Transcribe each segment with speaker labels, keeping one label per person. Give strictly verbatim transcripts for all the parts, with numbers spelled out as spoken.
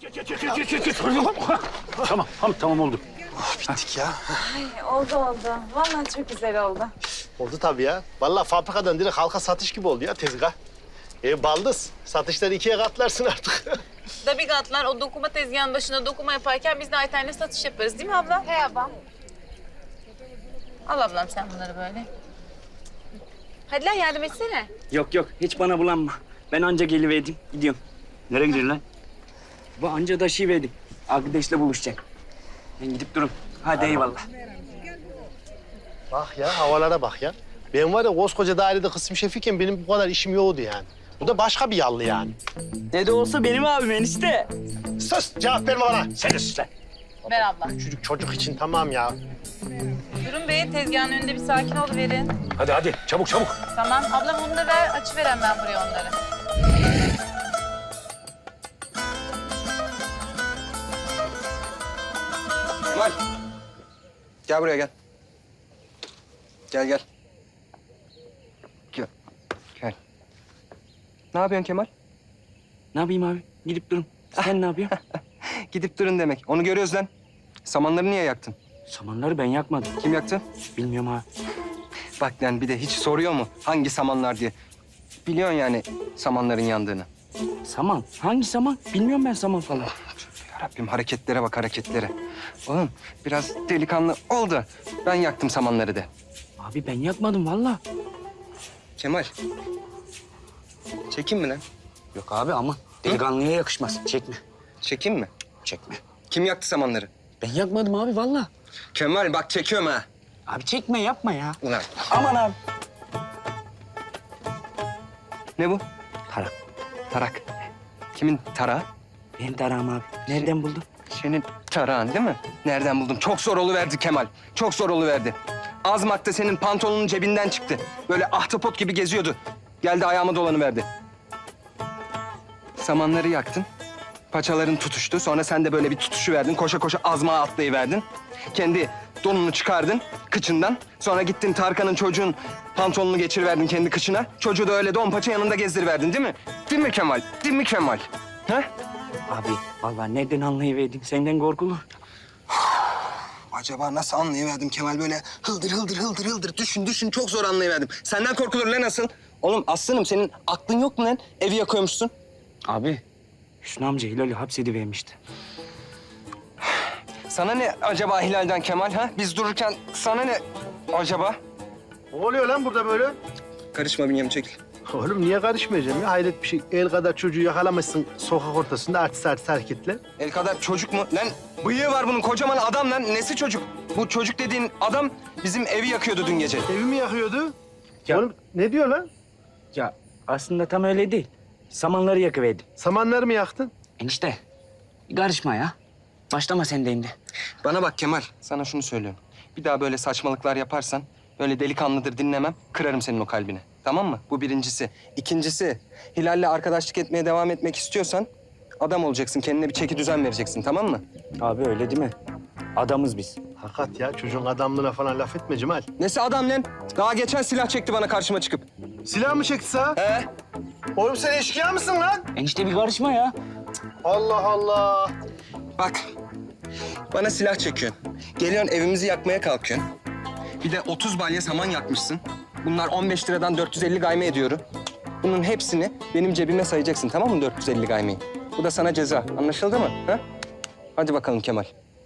Speaker 1: Geç, geç, geç, geç, geç. Tamam, tamam, tamam oldu.
Speaker 2: Oh, bittik ya.
Speaker 3: Ay, oldu oldu. Vallahi çok güzel oldu.
Speaker 2: Oldu tabii ya. Vallahi fabrikadan direkt halka satış gibi oldu ya tezgah. E baldız. Satışları ikiye katlarsın artık.
Speaker 4: Tabii katlar o dokuma tezgahının başında dokuma yaparken biz de alternatif satış yaparız değil mi abla?
Speaker 3: He ablam.
Speaker 4: Al ablam sen bunları böyle. Hadi lan yardım etsene.
Speaker 5: Yok yok hiç bana bulanma. Ben anca geliverdim gidiyorum.
Speaker 1: Nereye gidiyorsun lan?
Speaker 5: Bu anca taşıyıverdim. Arkadaşla buluşacak. Ben gidip durun. Hadi eyvallah.
Speaker 2: Bak ya havalara bak ya. Ben var ya koskoca dairede kısım şefiyken benim bu kadar işim yoktu yani. Bu da başka bir yallı yani.
Speaker 5: Ne de olsa benim abim enişte.
Speaker 2: Sus cevap verme bana.
Speaker 1: Sen de sus lan.
Speaker 4: Ver abla.
Speaker 2: Çocuk çocuk için tamam ya.
Speaker 4: Durun be tezgahın önünde bir sakin ol verin.
Speaker 1: Hadi, hadi. Çabuk, çabuk.
Speaker 4: Tamam ablam onu da ver açıveren ben buraya onları.
Speaker 6: Kemal. Gel buraya gel. Gel gel. Gel. Gel. Ne yapıyorsun Kemal?
Speaker 5: Ne yapayım abi? Gidip durun. Sen ne yapıyorsun?
Speaker 6: Gidip durun demek. Onu görüyoruz lan. Samanları niye yaktın?
Speaker 5: Samanları ben yakmadım.
Speaker 6: Kim yaktı?
Speaker 5: Bilmiyorum abi.
Speaker 6: Bak lan bir de hiç soruyor mu hangi samanlar diye. Biliyorsun yani samanların yandığını.
Speaker 5: Saman? Hangi saman? Bilmiyorum ben saman falan.
Speaker 6: Ya Rabbim hareketlere bak hareketlere. Oğlum biraz delikanlı ol da ben yaktım samanları de.
Speaker 5: Abi ben yakmadım vallahi.
Speaker 6: Kemal. Çekeyim mi lan?
Speaker 5: Yok abi aman. Delikanlıya yakışmaz. Çekme.
Speaker 6: Çekeyim mi?
Speaker 5: Çekme.
Speaker 6: Kim yaktı samanları?
Speaker 5: Ben yakmadım abi vallahi.
Speaker 6: Kemal bak çekiyorum ha.
Speaker 5: Abi çekme yapma ya.
Speaker 6: Ulan
Speaker 5: Aman abi.
Speaker 6: ne bu?
Speaker 5: Tarak.
Speaker 6: Tarak. Kimin tarağı?
Speaker 5: Benim tarağım abi. Nereden buldun?
Speaker 6: Senin tarağın değil mi? Nereden buldum? Çok zor oluverdi Kemal. Çok zor oluverdi. Azmak'ta senin pantolonun cebinden çıktı. Böyle ahtapot gibi geziyordu. Geldi ayağıma dolanıverdi. Samanları yaktın. Paçaların tutuştu. Sonra sen de böyle bir tutuşu verdin. Koşa koşa azmağa atlayıverdin. Kendi donunu çıkardın kıçından. Sonra gittin Tarkan'ın çocuğun pantolonunu geçiriverdin kendi kıçına. Çocuğu da öyle don paça yanında gezdiriverdin değil mi? Değil mi Kemal? Değil mi Kemal? Ha?
Speaker 5: Abi vallahi nereden anlayıverdin? Senden korkulur.
Speaker 6: Acaba nasıl anlayıverdim Kemal böyle hıldır hıldır hıldır hıldır düşün düşün çok zor anlayıverdim. Senden korkulur lan nasıl? Oğlum aslanım senin aklın yok mu lan? Evi yakıyormuşsun.
Speaker 5: Abi Hüsnü amca Hilal'i hapsedivermişti.
Speaker 6: Sana ne acaba Hilal'den Kemal ha? Biz dururken sana ne acaba?
Speaker 2: Ne oluyor lan burada böyle?
Speaker 6: Karışma Bünyamin çekil.
Speaker 2: Oğlum niye karışmayacağım ya? Hayret bir şey. El kadar çocuğu yakalamışsın sokak ortasında artist artist hareketle.
Speaker 6: El kadar çocuk mu? Lan bıyığı var bunun kocaman adam lan. Nesi çocuk? Bu çocuk dediğin adam bizim evi yakıyordu dün gece.
Speaker 2: Evimi yakıyordu.
Speaker 5: Ya-
Speaker 2: Oğlum ne diyor lan?
Speaker 5: Ya aslında tam öyle değil. Samanları yakıverdim.
Speaker 2: Samanları mı yaktın?
Speaker 5: Enişte bir karışma ya. Başlama sen de şimdi.
Speaker 6: Bana bak Kemal, sana şunu söylüyorum. Bir daha böyle saçmalıklar yaparsan, böyle delikanlıdır dinlemem, kırarım senin o kalbini. Tamam mı? Bu birincisi. İkincisi, Hilal'le arkadaşlık etmeye devam etmek istiyorsan... adam olacaksın, kendine bir çeki düzen vereceksin, tamam mı?
Speaker 5: Abi öyle değil mi? Adamız biz.
Speaker 2: Hakikat ya çocuğun adamlığına falan laf etme Cemal.
Speaker 6: Nesi adam lan? Daha geçen silah çekti bana karşıma çıkıp.
Speaker 2: Silah mı çekti sağ?
Speaker 6: He?
Speaker 2: Oğlum sen eşkıya mısın lan?
Speaker 5: Enişte bir karışma ya.
Speaker 2: Allah Allah.
Speaker 6: Bak, bana silah çekiyorsun. Geliyorsun evimizi yakmaya kalkıyorsun. Bir de otuz balya saman yakmışsın. Bunlar on beş liradan dört yüz elli gayme ediyor. Bunun hepsini benim cebime sayacaksın tamam mı dört yüz elli gaymeyi? Bu da sana ceza. Anlaşıldı mı? Ha? Hadi bakalım Kemal.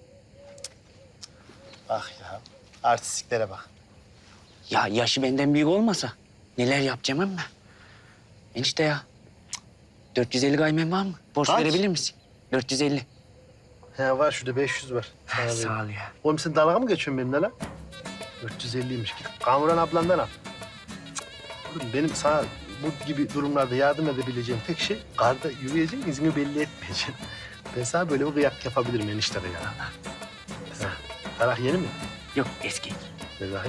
Speaker 2: Bak ya artistliklere bak.
Speaker 5: Ya yaşı benden büyük olmasa neler yapacağım ama. Enişte ya. cık, dört yüz elli gaymen var mı? Borç
Speaker 2: Kaç?
Speaker 5: verebilir misin? dört yüz elli.
Speaker 2: He var şurada beş yüz var. Sana vereyim.
Speaker 5: Sağ ol ya.
Speaker 2: Oğlum sen dalga mı geçiyorsun benimle lan? dört yüz elliymiş. Git Kamuran ablandan al. Cık, Oğlum benim sana bu gibi durumlarda yardım edebileceğim tek şey karda yürüyeceğim, izini belli etmeyeceğim. Ben sana böyle bir kıyak yapabilirim eniştede ya. Ha, Tarak yeni mi?
Speaker 5: Yok eski.
Speaker 2: Ver bakayım.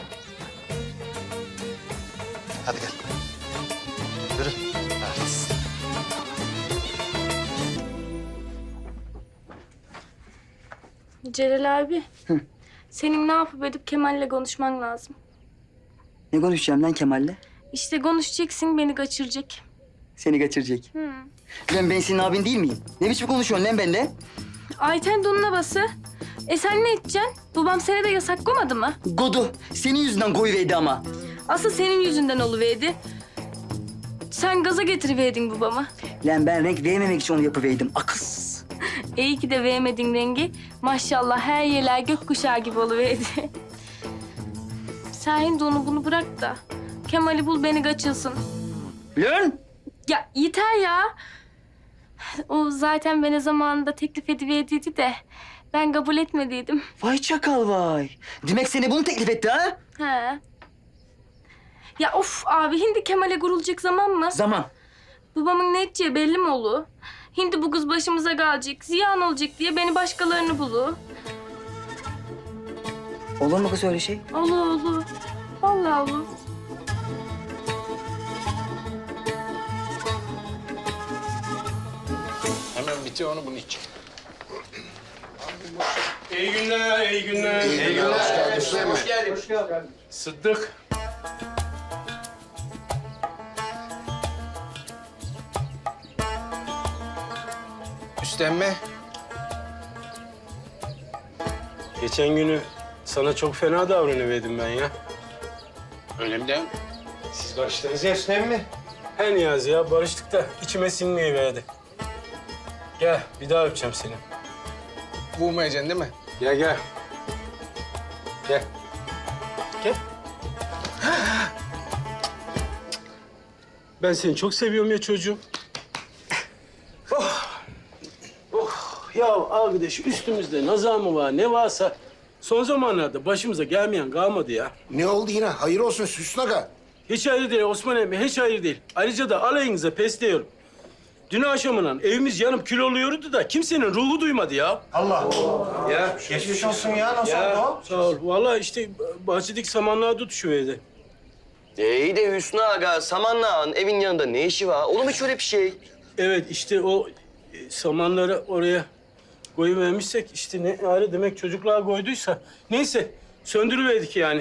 Speaker 2: Hadi gel. Yürü. Artist.
Speaker 7: Celal abi. Senin ne yapıp edip Kemal'le konuşman lazım.
Speaker 8: Ne konuşacağım lan Kemal'le?
Speaker 7: İşte konuşacaksın, beni kaçıracak.
Speaker 8: Seni kaçıracak. Lan ben senin abin değil miyim? Ne biçim konuşuyorsun lan benimle?
Speaker 7: Ayten donuna bası. E sen ne edeceksin? Babam seni de yasak koymadı mı?
Speaker 8: Godu, senin yüzünden koyuverdi ama.
Speaker 7: Asıl senin yüzünden oluverdi. Sen gaza getiriverdin babamı.
Speaker 8: Lan ben renk vermemek için onu yapıverdim. Akız.
Speaker 7: İyi ki de vermedin rengi. Maşallah her yerler gökkuşağı gibi oluverdi. Sen şimdi onu bunu bırak da Kemal'i bul beni kaçılsın.
Speaker 8: Lan!
Speaker 7: Ya yeter ya. O zaten bana zamanında teklif ediverdiydi de ben kabul etmediydim.
Speaker 8: Vay çakal vay. Demek seni bunu teklif etti ha?
Speaker 7: He. Ya of abi hindi Kemal'e kurulacak zaman mı?
Speaker 8: Zaman.
Speaker 7: Babamın ne edeceği belli mi olur? Hindi bu kız başımıza kalacak, ziyan olacak diye beni başkalarını bulu.
Speaker 8: Olur mu kız öyle şey?
Speaker 7: Olur olur. Vallahi olur.
Speaker 1: Hemen bitir onu bunun için. İyi günler, iyi günler. İyi günler. Hoş geldin. Hoş geldin. Hoş geldin. Sıddık.
Speaker 6: Üstlenme.
Speaker 9: Geçen günü sana çok fena davranıverdim ben ya.
Speaker 1: Öyle mi değil mi?
Speaker 9: Siz barıştınız ya Üstlenme. He Niyazi ya barıştık da içime sinmeyiverdi. Gel bir daha öpeceğim seni.
Speaker 6: Vurmayacaksın değil mi?
Speaker 9: Gel gel. Gel. Gel. Ben seni çok seviyorum ya çocuğum. Oh. Oh. Ya arkadaş üstümüzde nazar mı var ne varsa son zamanlarda başımıza gelmeyen kalmadı ya.
Speaker 10: Ne oldu yine? Hayır olsun Hüsnü Aga.
Speaker 9: Hiç hayır değil Osman emmi, hiç hayır değil. Ayrıca da alayınıza pes diyorum. Dün akşamından evimiz yanıp kül oluyordu da kimsenin ruhu duymadı ya.
Speaker 10: Allah.
Speaker 9: Ya
Speaker 10: Geçmiş olsun ya. Nasıl
Speaker 9: ya
Speaker 10: oldu?
Speaker 9: sağ ol. Vallahi işte bahçedeki samanlığa tutuşuverdi.
Speaker 11: E, İyi de Hüsnü Aga, Samanlıağın evin yanında ne işi var? Olur mu hiç öyle bir şey?
Speaker 9: Evet işte o e, samanları oraya koyuvermişsek işte ne ayrı demek çocuklar koyduysa. Neyse söndürüverdik yani.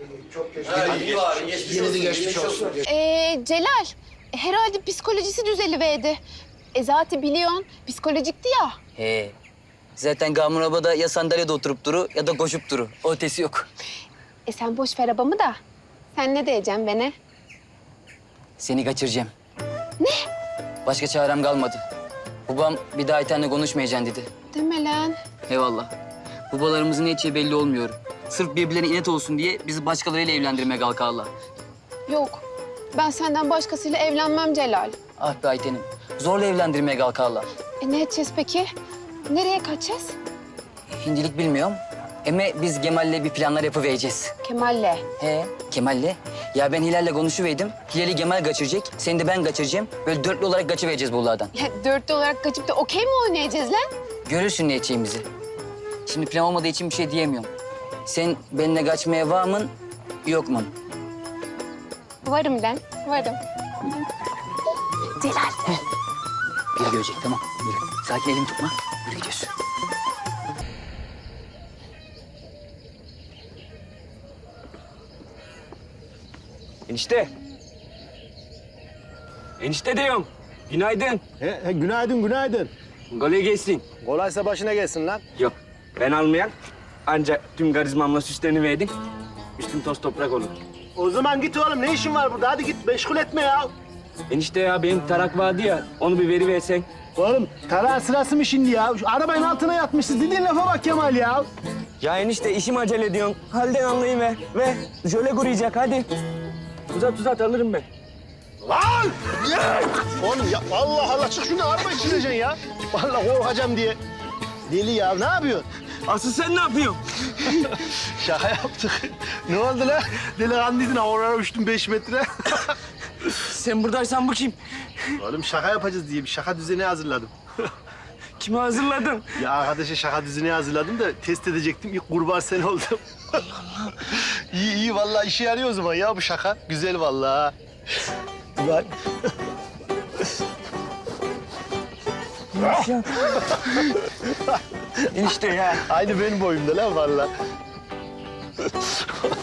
Speaker 10: Yine de geçmiş olsun.
Speaker 12: Ee, Celal, herhalde psikolojisi düzeliverdi. E zaten biliyorsun, psikolojikti ya.
Speaker 8: He. Zaten Gamur abla ya sandalyede oturup duru ya da koşup duru. O ötesi yok.
Speaker 12: E sen boş ver abamı da. Sen ne diyeceksin bana?
Speaker 8: Seni kaçıracağım. Ne? Başka çarem kalmadı. Babam bir daha Ayten'le konuşmayacaksın dedi.
Speaker 12: Deme lan.
Speaker 8: Eyvallah. Babalarımızın ne edeceği belli olmuyor. Sırf birbirlerine inet olsun diye bizi başkalarıyla evlendirmeye kalkarlar.
Speaker 12: Yok, ben senden başkasıyla evlenmem Celal.
Speaker 8: Ah be Ayten'im. Zorla evlendirmeye kalkarlar.
Speaker 12: E ne edeceğiz peki? Nereye kaçacağız?
Speaker 8: Hindilik bilmiyorum. Ama biz Kemal'le bir planlar yapıvereceğiz.
Speaker 12: Kemal'le.
Speaker 8: He, Kemal'le. Ya ben Hilal'le konuşuverdim. Hilal'i Kemal kaçıracak, seni de ben kaçıracağım. Böyle dörtlü olarak kaçıvereceğiz buralardan.
Speaker 12: Ya dörtlü olarak kaçıp da okey mi oynayacağız lan?
Speaker 8: Görürsün ne edeceğimizi. Şimdi plan olmadığı için bir şey diyemiyorum. Sen benimle kaçmaya var mın, yok mu?
Speaker 12: Varım lan, varım. Celal.
Speaker 8: Biri görecek, tamam. Yürü. Sakin elimi tutma. Yürü gidiyoruz.
Speaker 5: Enişte. Enişte diyorum. Günaydın.
Speaker 2: He, he, günaydın, günaydın.
Speaker 5: Kolay gelsin.
Speaker 2: Kolaysa başına gelsin lan.
Speaker 5: Yok ben almayan. Ancak tüm karizmamla süsleniverdim. Üstüm toz toprak olur.
Speaker 2: O zaman git oğlum. Ne işin var burada? Hadi git. Meşgul etme ya.
Speaker 5: Enişte ya benim tarak vardı ya. Onu bir veriversen.
Speaker 2: Oğlum tarağın sırası mı şimdi ya? Şu arabanın altına yatmışız. Dediğin lafa bak Kemal ya.
Speaker 5: Ya enişte işim acele ediyorsun. Halden anlayıver. Ve jöle kuruyacak hadi. Uzat uzat alırım ben.
Speaker 2: Lan! Ya! Oğlum ya Allah Allah çık şunu araba içireceksin ya. Vallahi korkacağım diye. Deli ya ne yapıyorsun?
Speaker 5: Asıl sen ne yapıyorsun?
Speaker 2: Şaka yaptık. Ne oldu lan? Delikanlıydın oraya uçtun beş metre.
Speaker 5: Sen buradaysan bu kim?
Speaker 2: Oğlum şaka yapacağız diye bir şaka düzeni hazırladım.
Speaker 5: Kimi hazırladın?
Speaker 2: Ya arkadaşa şaka düzeni hazırladım da test edecektim. İlk kurban sen oldum. Allah Allah. İyi iyi vallahi işe yarıyor o zaman ya bu şaka. Güzel vallahi. Bak.
Speaker 5: Enişte ya.
Speaker 2: Aynı benim boyumda lan vallahi.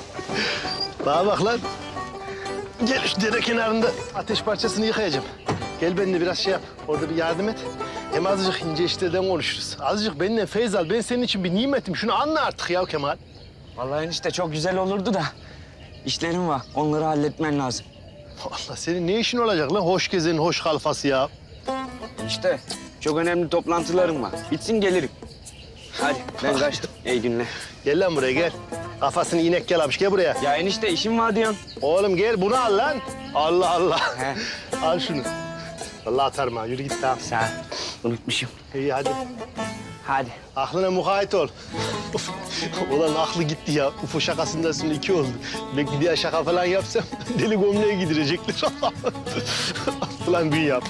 Speaker 2: Bana bak lan. Gel şu dere kenarında ateş parçasını yıkayacağım. Gel benimle biraz şey yap. Orada bir yardım et. Hem azıcık ince işlerden konuşuruz. Azıcık benimle feyz al. Ben senin için bir nimetim. Şunu anla artık ya Kemal.
Speaker 5: Vallahi enişte çok güzel olurdu da işlerim var. Onları halletmen lazım.
Speaker 2: Allah senin ne işin olacak lan? Hoş gezenin hoş kalfası ya.
Speaker 5: İşte çok önemli toplantılarım var. Bitsin gelirim. Hadi ben kaçtım. İyi günler.
Speaker 2: Gel lan buraya gel. Kafasını inek yalamış. Gel buraya.
Speaker 5: Ya enişte işim var diyorsun.
Speaker 2: Oğlum gel bunu al lan. Allah Allah.
Speaker 5: He.
Speaker 2: Al şunu. Vallahi atarım ha. Yürü git tamam.
Speaker 5: Sağ ol. Unutmuşum.
Speaker 2: İyi hadi.
Speaker 5: Hadi.
Speaker 2: Aklına mukayyet ol. Ulan aklı gitti ya. Ufo şakasından sonra iki oldu. Belki bir daha şaka falan yapsam deli gömleğe gidirecekler. Ulan büyü yap.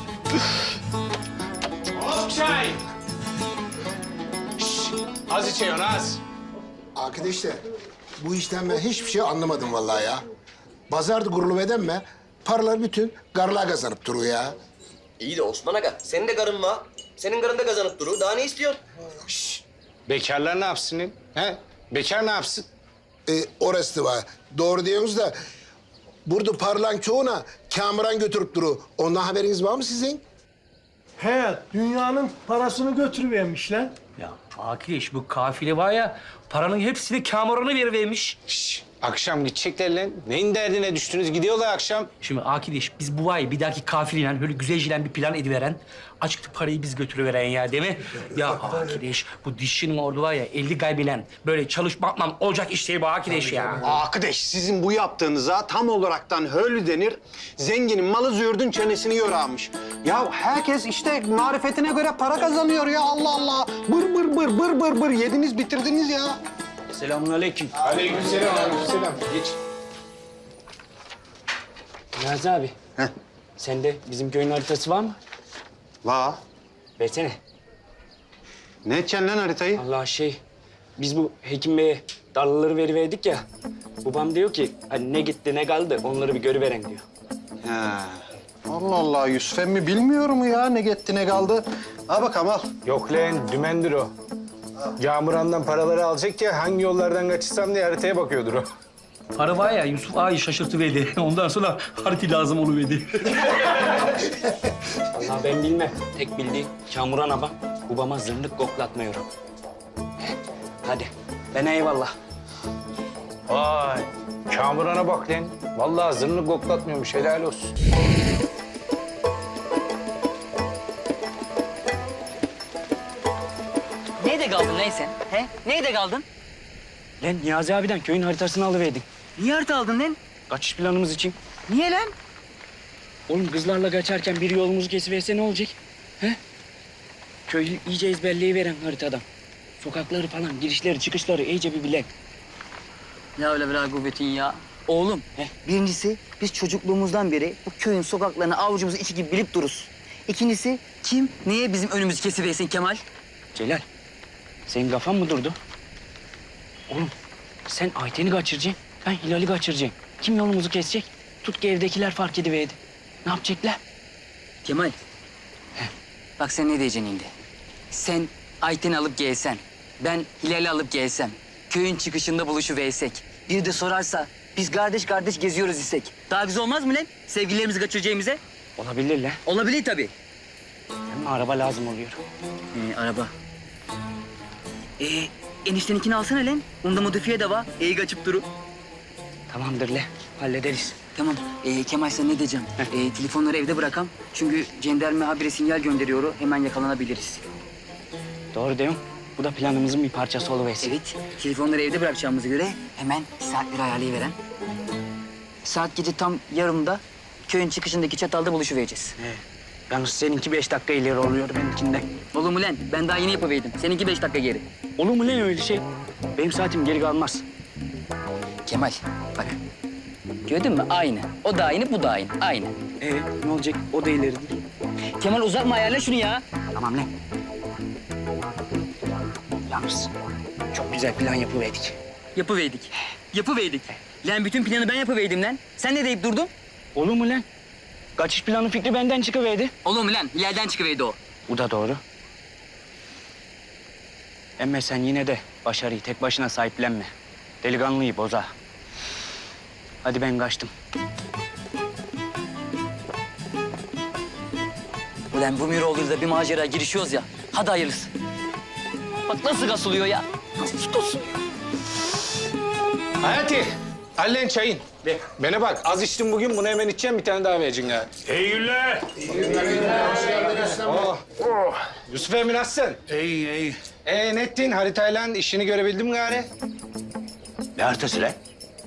Speaker 1: Çay. Şşş, az içiyorsun az.
Speaker 10: Arkadaşlar bu işten ben hiçbir şey anlamadım vallahi ya. Pazarda kurulu eden mi? Paralar bütün garlığa kazanıp duruyor ya.
Speaker 11: İyi de Osman Aga, senin de karın var. Senin karın da kazanıp durur. Daha ne istiyorsun?
Speaker 1: Bekarlar ne yapsın? He? Bekar ne yapsın?
Speaker 10: Ee, orası da var. Doğru diyorsunuz da burada parlan çoğuna Kamuran götürüp duru. Ondan haberiniz var mı sizin?
Speaker 9: He, dünyanın parasını götürüvermişler.
Speaker 13: Ya Akileş bu kafile var ya paranın hepsini Kamuran'a verivermiş.
Speaker 1: Şşş, akşam gidecekler lan. Neyin derdine düştünüz? Gidiyorlar akşam.
Speaker 13: Şimdi Akileş biz bu ay bir dahaki kafileyle böyle güzelcilen bir plan ediveren açıkta parayı biz götürüveren ya değil mi? Ya Akileş bu dişçinin ordu var ya elli gaybilen böyle çalışmakla olacak iş değil bu Akileş ya.
Speaker 2: Arkadaş sizin bu yaptığınıza tam olaraktan höllü denir. Zenginin malı züğürdün çenesini yorarmış. Ya herkes işte marifetine göre para kazanıyor ya Allah Allah. Bır bır bır bır bır bır yediniz bitirdiniz ya.
Speaker 5: Selamünaleyküm.
Speaker 1: Aleykümselam, aleykümselam. Geç.
Speaker 5: Niyazi abi. Heh. Sende bizim köyün haritası var mı?
Speaker 2: Va.
Speaker 5: Versene.
Speaker 2: Ne edeceksin lan haritayı?
Speaker 5: Allah şey, biz bu Hekim Bey'e darlaları veriverdik ya. Babam diyor ki hani ne gitti ne kaldı onları bir görüveren diyor.
Speaker 2: He. Allah Allah Yusuf emmi bilmiyor mu ya ne gitti ne kaldı? Al bakalım al.
Speaker 1: Yok lan, dümendir o. Kamuran'dan paraları alacak ya, hangi yollardan kaçırsam diye haritaya bakıyordur o.
Speaker 13: Para var ya Yusuf ağayı şaşırtıverdi. Ondan sonra harita lazım oluverdi.
Speaker 5: Vallahi ben bilmem. Tek bildiğim Kamuran abi babama zırnık koklatmıyor. Hadi ben eyvallah.
Speaker 1: Vay, Kamuran'a bak lan. Vallahi zırnık koklatmıyormuş, helal olsun.
Speaker 8: Nerede kaldın lan sen? He? Nerede kaldın?
Speaker 5: Lan Niyazi abiden köyün haritasını alıverdik.
Speaker 8: Niye harita aldın lan?
Speaker 5: Kaçış planımız için.
Speaker 8: Niye lan?
Speaker 5: Oğlum kızlarla kaçarken bir yolumuzu kesiverse ne olacak? He? Köyü iyice ezberleyiveren haritadan. Sokakları falan, girişleri, çıkışları iyice bir bilen.
Speaker 8: Ya öyle bir kuvvetin ya. Oğlum,
Speaker 5: He.
Speaker 8: birincisi biz çocukluğumuzdan beri bu köyün sokaklarını avucumuzun içi gibi bilip dururuz. İkincisi kim neye bizim önümüzü kesiversin Kemal?
Speaker 5: Celal, senin kafan mı durdu? Oğlum, sen Ayten'i kaçıracaksın, ben Hilal'i kaçıracağım. Kim yolumuzu kesecek? Tut ki evdekiler fark ediverdi. Ne yapacaklar?
Speaker 8: Kemal. Bak sen ne diyeceksin şimdi? Sen Ayten'i alıp gelsen, ben Hilal'i alıp gelsem, köyün çıkışında buluşuversek, bir de sorarsa biz kardeş kardeş geziyoruz isek. Daha güzel olmaz mı lan? Sevgililerimizi kaçıracağımıza.
Speaker 5: Olabilir lan.
Speaker 8: Olabilir tabii.
Speaker 5: Ama araba lazım oluyor.
Speaker 8: Ee, araba. Ee, enişteninkini alsana lan. Onda modifiye de var. İyi kaçıp duru.
Speaker 5: Tamamdır le, hallederiz.
Speaker 8: Tamam. Ee, Kemal sen ne diyeceğim? Ee, telefonları evde bırakam. Çünkü jandarma habire sinyal gönderiyor. Hemen yakalanabiliriz.
Speaker 5: Doğru diyorsun. Bu da planımızın bir parçası oluversin.
Speaker 8: Evet. Telefonları evde bırakacağımıza göre hemen saatleri ayarlayıveren. Saat gece tam yarımda köyün çıkışındaki çatalda buluşuvereceğiz.
Speaker 5: He. Yalnız seninki beş dakika ileri oluyor benimkinden.
Speaker 8: Olur mu lan? Ben daha yeni yapıverdim. Seninki beş dakika geri.
Speaker 5: Olur mu lan öyle şey? Benim saatim geri kalmaz.
Speaker 8: Kemal bak. Gördün mü? Aynı. O da aynı, bu da aynı. Aynı.
Speaker 5: Ee, ne olacak? O da ileri değil.
Speaker 8: Kemal uzatma ayarla şunu ya.
Speaker 5: Tamam lan. Yalnız çok güzel plan yapıverdik.
Speaker 8: Yapıverdik. Yapıverdik. Lan bütün planı ben yapıverdim lan. Sen ne deyip durdun?
Speaker 5: Olur mu lan? Kaçış planı fikri benden çıkıverdi.
Speaker 8: Olur mu lan? İleriden çıkıverdi o.
Speaker 5: Bu da doğru. Emme sen yine de başarıyı tek başına sahiplenme. Delikanlıyı boza. Hadi ben kaçtım.
Speaker 8: Ulan bu Miroğlu'yla bir macera girişiyoruz ya. Hadi hayırlısı. Bak nasıl kasılıyor ya. Nasıl kasılıyor?
Speaker 1: Hayati, hallen çayın. De, bana bak, az içtim bugün, bunu hemen içeceğim, bir tane daha vereceksin ha.
Speaker 9: İyi günler.
Speaker 10: Hoş geldin Rüstem Bey.
Speaker 1: Oh. Yusuf Emin nasılsın?
Speaker 9: İyi, iyi.
Speaker 1: Ee, ne ettin? Haritayla işini görebildin mi gari?
Speaker 9: Ne haritası lan?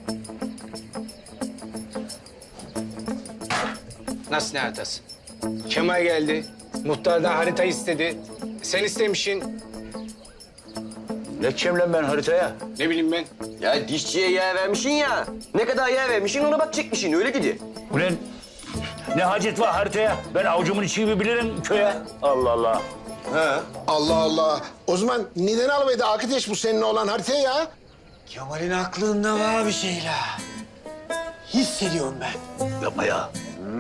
Speaker 1: Nasıl ne haritası? Kemal geldi, muhtardan harita istedi. Sen istemişsin.
Speaker 9: Ne edeceğim lan ben haritaya?
Speaker 1: Ne bileyim ben.
Speaker 11: Ya dişçiye yer vermişsin ya. Ne kadar yer vermişsin ona bak çekmişsin öyle gidi.
Speaker 9: Ulan ne hacet var haritaya? Ben avucumun içi gibi bilirim köye. Allah Allah.
Speaker 11: Ha.
Speaker 10: Allah Allah. O zaman neden almaydı Akiteş bu seninle olan haritayı ya?
Speaker 14: Kemal'in aklında var bir şeyler. Hissediyorum ben.
Speaker 9: Yapma ya.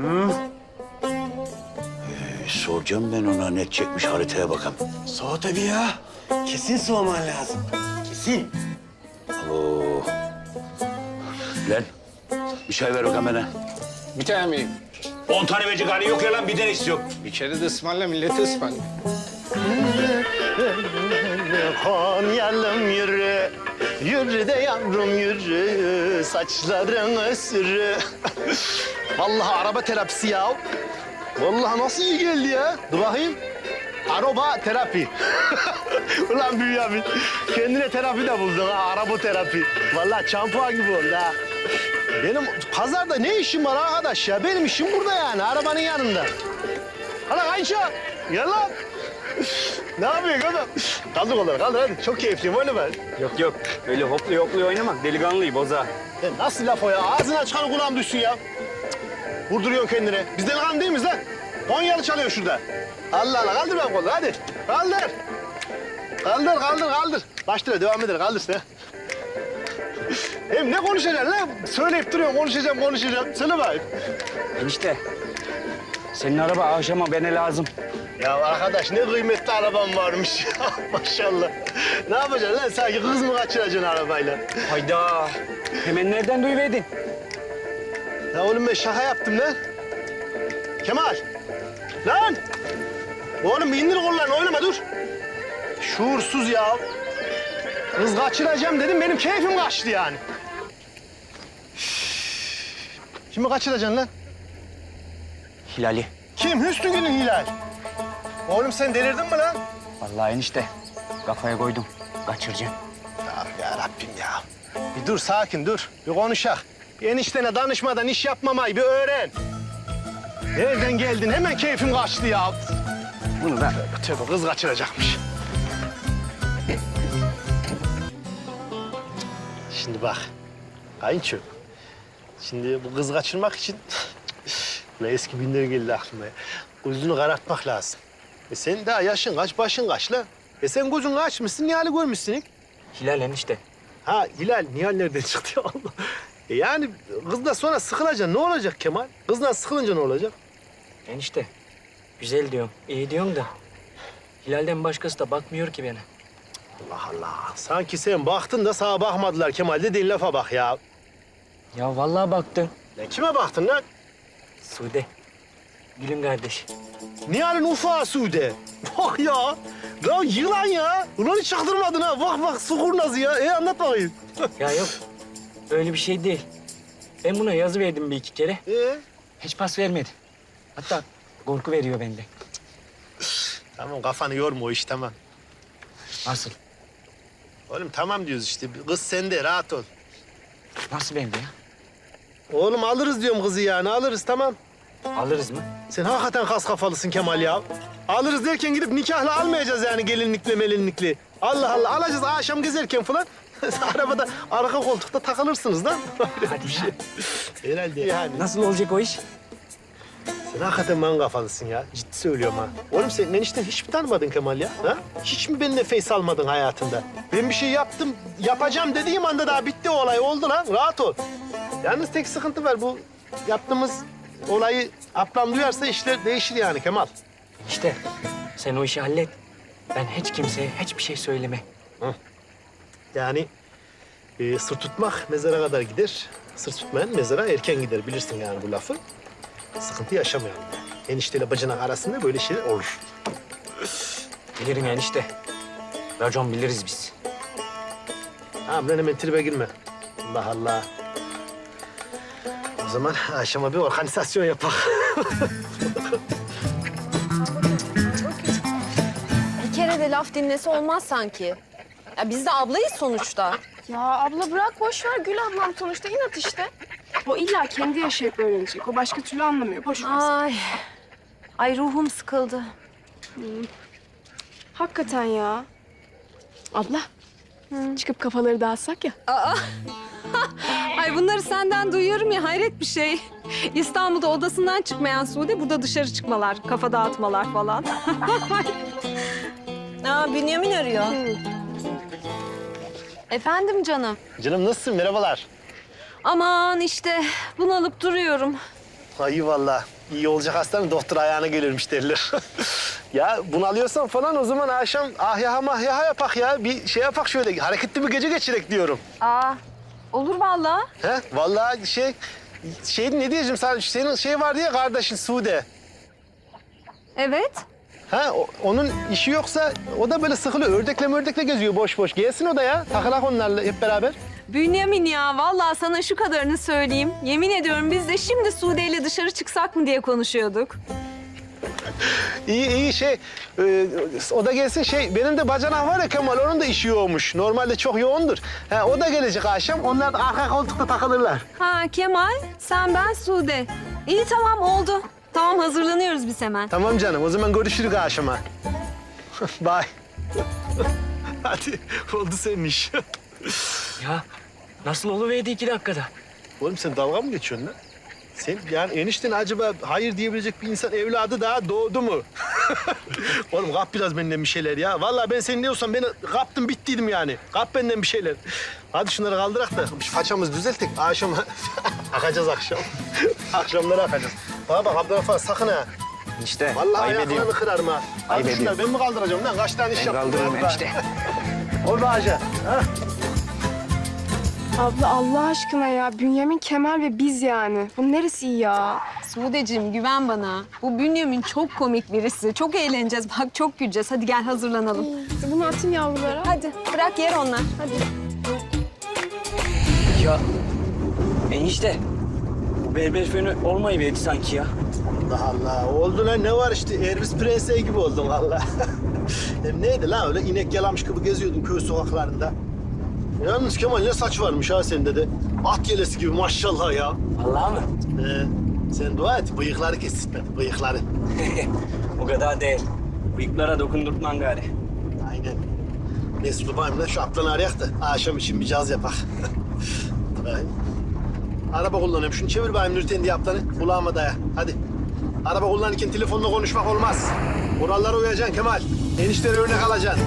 Speaker 9: Ee, soracağım ben ona ne çekmiş haritaya bakalım.
Speaker 14: Soğuk tabii ya. Kesin soğuman lazım. Kesin.
Speaker 9: Oo. Lan bir çay ver bakalım bana.
Speaker 1: Bir tane miyim?
Speaker 9: On tane verecek hali yok ya lan bir tane istiyorum.
Speaker 1: Bir kere de ısmarla, milleti ısmarla.
Speaker 2: Konyalım yürü, yürü de yavrum yürü, saçların sürü. Vallahi araba terapisi ya. Vallahi nasıl iyi geldi ya. Dur bakayım. Araba terapi. Ulan Bünyamin, kendine terapi de buldun ha, araba terapi. Vallahi şampuan gibi oldu ha. Benim pazarda ne işim var arkadaş ya? Benim işim burada yani, arabanın yanında. Hala Ayça, gel lan. Ne yapıyorsun oğlum? Kaldır kolları, kaldır hadi. Çok keyifliyim, öyle ben.
Speaker 5: Yok yok. Öyle hoplu hoplu oynamak delikanlıyı boza.
Speaker 2: Ya nasıl laf o ya? Ağzından çıkan kulağım düşsün ya. Cık, vurduruyorsun kendine. Biz delikanlı değil miyiz lan? Konyalı çalıyor şurada. Allah Allah, kaldır ben kolları hadi. Kaldır. Kaldır, kaldır, kaldır. Başla, devam eder, kaldır sen. Hem ne konuşacaksın lan? Söyleyip duruyorsun, konuşacağım, konuşacağım. Söyle bakayım.
Speaker 5: Enişte. Senin araba akşama bana lazım.
Speaker 2: Ya arkadaş ne kıymetli araban varmış ya maşallah. Ne yapacaksın lan sanki kız mı kaçıracaksın arabayla?
Speaker 5: Hayda. Hemen nereden duyuverdin?
Speaker 2: Ya oğlum ben şaka yaptım lan. Kemal. Lan. Oğlum bir indir kollarını oynama dur. Şuursuz ya. Kız kaçıracağım dedim benim keyfim kaçtı yani. Kimi kaçıracaksın lan?
Speaker 5: Hilal'i.
Speaker 2: Kim? Hüsnügül'ün Hilal. Oğlum sen delirdin mi lan?
Speaker 5: Vallahi enişte. Kafaya koydum. Kaçıracağım.
Speaker 2: Ya, ya Rabbim ya. Bir dur sakin dur. Bir konuşak. Bir eniştene danışmadan iş yapmamayı bir öğren. Nereden geldin? Hemen keyfim kaçtı ya. Bunu da tövbe kız kaçıracakmış. Şimdi bak. Kayınço. Şimdi bu kız kaçırmak için ne eski günler geldi aklıma. Gözünü karartmak lazım. E sen daha yaşın kaç, başın kaç la? E sen gözün kaçmışsın, Nihal'i görmüşsün ilk.
Speaker 5: Hilal enişte.
Speaker 2: Ha Hilal, Nihal nereden çıktı ya Allah? E yani kızla sonra sıkılacaksın. Ne olacak Kemal? Kızla sıkılınca ne olacak?
Speaker 5: Enişte. Güzel diyorum. iyi diyorum da. Hilal'den başkası da bakmıyor ki bana.
Speaker 2: Allah Allah. Sanki sen baktın da sana bakmadılar Kemal. Dediğin lafa bak ya.
Speaker 5: Ya vallahi baktım.
Speaker 2: Ya kime baktın lan?
Speaker 5: Sude. Gülüm kardeş.
Speaker 2: Nihal'in ufağı Sude. Bak ya. Ya yılan ya. Ulan hiç çaktırmadın ha. Bak bak su kurnazı ya. E anlat bakayım.
Speaker 5: Ya yok. Öyle bir şey değil. Ben buna yazı verdim bir iki kere.
Speaker 2: Ee?
Speaker 5: Hiç pas vermedi. Hatta korku veriyor bende.
Speaker 2: Tamam kafanı yorma o iş tamam.
Speaker 5: Nasıl?
Speaker 2: Oğlum tamam diyoruz işte. Kız sende rahat ol.
Speaker 5: Nasıl bende ya?
Speaker 2: Oğlum alırız diyorum kızı yani alırız tamam.
Speaker 5: Alırız mı?
Speaker 2: Sen hakikaten kas kafalısın Kemal ya. Alırız derken gidip nikahla almayacağız yani gelinlikle melinlikli. Allah Allah alacağız akşam gezerken falan. Arabada arka koltukta takılırsınız lan.
Speaker 5: Hadi ya.
Speaker 2: Herhalde yani.
Speaker 5: Nasıl olacak o iş?
Speaker 2: Sen hakikaten man kafalısın ya. Ciddi söylüyorum ha. Oğlum sen enişten hiç mi tanımadın Kemal ya? Ha? Hiç mi benimle face almadın hayatında? Ben bir şey yaptım, yapacağım dediğim anda daha bitti o olay. Oldu lan, rahat ol. Yalnız tek sıkıntı var bu yaptığımız olayı ablam duyarsa işler değişir yani Kemal.
Speaker 5: İşte sen o işi hallet. Ben hiç kimseye hiçbir şey söyleme.
Speaker 2: Yani e, sır tutmak mezara kadar gider. Sır tutmayan mezara erken gider. Bilirsin yani bu lafı. Sıkıntı yaşamayalım. enişteyle bacının arasında böyle şeyler olur.
Speaker 5: Bilirim enişte. Racon biliriz biz.
Speaker 2: Tamam lan hemen tribe girme. Allah Allah. O zaman akşama bir organizasyon yapak.
Speaker 12: Bir kere de laf dinlese olmaz sanki. Ya biz de ablayız sonuçta.
Speaker 7: Ya abla bırak boş ver. Gül ablam sonuçta inat işte. O illa kendi yaşayıp öğrenecek. O başka türlü anlamıyor. Boş ver.
Speaker 12: Ay. Ay ruhum sıkıldı.
Speaker 7: Hakikaten ya. Abla. Çıkıp kafaları dağıtsak ya.
Speaker 12: Aa. Ay bunları senden duyuyorum ya hayret bir şey. İstanbul'da odasından çıkmayan Sude burada dışarı çıkmalar, kafa dağıtmalar falan. Aa Bünyamin arıyor. Efendim canım.
Speaker 2: Canım nasılsın? Merhabalar.
Speaker 12: Aman işte bunalıp duruyorum.
Speaker 2: Ay vallahi iyi olacak hastanın doktor ayağına gelirmiş derler. Ya bunu alıyorsan falan o zaman akşam ahyaha mahyaha yapak ya. Bir şey yapak şöyle hareketli bir gece geçirek diyorum.
Speaker 12: Aa olur vallahi.
Speaker 2: He? Vallahi şey, şey ne diyeceğim sana, senin şey var diye kardeşin Sude.
Speaker 12: Evet.
Speaker 2: Ha, o- onun işi yoksa o da böyle sıkılıyor. Ördekle mördekle geziyor boş boş. Gelsin o da ya. Takılak onlarla hep beraber.
Speaker 12: Bünyamin ya vallahi sana şu kadarını söyleyeyim. Yemin ediyorum biz de şimdi Sude ile dışarı çıksak mı diye konuşuyorduk.
Speaker 2: İyi iyi şey, e, o da gelsin şey, benim de bacanak var ya Kemal, onun da işi yoğunmuş. Normalde çok yoğundur. Ha, o da gelecek akşam, onlar da arka koltukta takılırlar.
Speaker 12: Ha Kemal, sen ben Sude. İyi tamam oldu. Tamam hazırlanıyoruz biz hemen.
Speaker 2: Tamam canım, o zaman görüşürüz akşama. Bye. Hadi, oldu senin iş.
Speaker 5: Ya nasıl oluverdi iki dakikada?
Speaker 2: Oğlum sen dalga mı geçiyorsun lan? Sen yani enişten acaba hayır diyebilecek bir insan evladı daha doğdu mu? Oğlum kap biraz benden bir şeyler ya. Vallahi ben senin diyorsam beni kaptım bittiydim yani. Kap benden bir şeyler. Hadi şunları kaldırak da şu façamızı düzelttik. Akşam akacağız akşam. Akşamları akacağız. Bana bak Abdülhafar sakın ha.
Speaker 5: İşte
Speaker 2: Vallahi
Speaker 5: ayıp
Speaker 2: ayaklarını
Speaker 5: ediyorum.
Speaker 2: kırarım ha.
Speaker 5: Ayıp
Speaker 2: Hadi şunları ben mi kaldıracağım lan? Kaç tane iş
Speaker 5: Ben
Speaker 2: yaptım
Speaker 5: kaldırırım
Speaker 2: burada?
Speaker 5: enişte.
Speaker 2: Ol be Hacı. Ha?
Speaker 7: Abla Allah aşkına ya. Bünyamin, Kemal ve biz yani. Bu neresi iyi ya?
Speaker 12: Sudeciğim güven bana. Bu Bünyamin çok komik birisi. Çok eğleneceğiz. Bak çok güleceğiz. Hadi gel hazırlanalım.
Speaker 7: Bunu atın yavrulara.
Speaker 12: Hadi bırak yer onlar. Hadi.
Speaker 5: Ya enişte bu berber fönü olmayıverdi sanki ya.
Speaker 2: Allah Allah. Oldu lan ne var işte. Elvis Presley gibi oldum vallahi. Hem neydi lan öyle inek yalamış gibi geziyordun köy sokaklarında. Yalnız Kemal ne saç varmış ha sende de. At yelesi gibi maşallah ya.
Speaker 5: Vallahi mı?
Speaker 2: Ee, sen dua et bıyıkları kesitmedi bıyıkları.
Speaker 5: O kadar değil. Bıyıklara dokundurtman gari.
Speaker 2: Aynen. Mesut babayım lan şu aplanı arayak da akşam için bir caz yapak. Ay. Araba kullanıyorum. Şunu çevir bayım Nurten diye aplanı. Kulağıma daya. Hadi. Araba kullanırken telefonla konuşmak olmaz. Kurallara uyacaksın Kemal. Enişleri örnek alacaksın.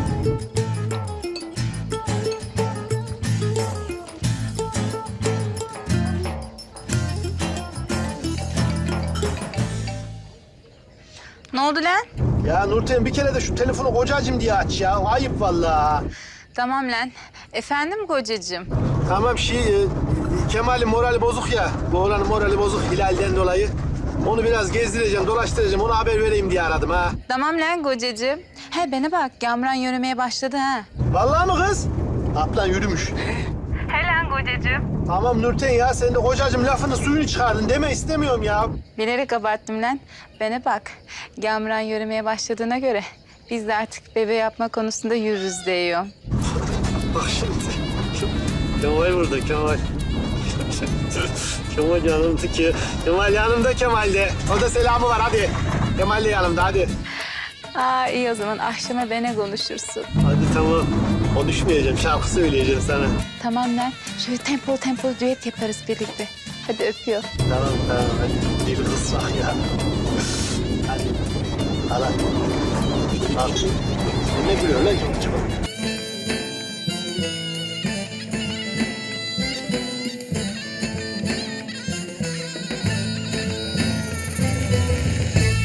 Speaker 4: Ne oldu lan?
Speaker 2: Ya Nurten bir kere de şu telefonu kocacığım diye aç ya. Ayıp vallahi.
Speaker 4: Tamam lan. Efendim kocacığım?
Speaker 2: Tamam şey, e, Kemal'in morali bozuk ya. Bu oğlanın morali bozuk Hilal'den dolayı. Onu biraz gezdireceğim, dolaştıracağım. Ona haber vereyim diye aradım ha.
Speaker 4: Tamam lan kocacığım. He bana bak Gamran yürümeye başladı ha.
Speaker 2: Vallahi mı kız? Aplan yürümüş.
Speaker 4: He lan kocacığım.
Speaker 2: Tamam Nurten ya, sen de kocacığım lafını suyunu çıkardın deme istemiyorum ya.
Speaker 4: Bilerek abarttım lan. Bana bak Gamran yürümeye başladığına göre biz de artık bebe yapma konusunda yürürüz diyor.
Speaker 2: Bak şimdi. Kemal burada, Kemal. Kemal yanımda ki. Kemal yanımda Kemal'de. O da selamı var hadi. Kemal de yanımda hadi.
Speaker 4: Aa iyi o zaman akşama bana konuşursun.
Speaker 2: Hadi tamam. Konuşmayacağım, şarkı söyleyeceğim sana.
Speaker 4: Tamam lan. Şöyle tempolu tempolu düet yaparız birlikte. Hadi öpüyor.
Speaker 2: Tamam tamam hadi. Bir kız bak ya. Hadi. Al hadi. Al. Ne gülüyor lan çabuk çabuk.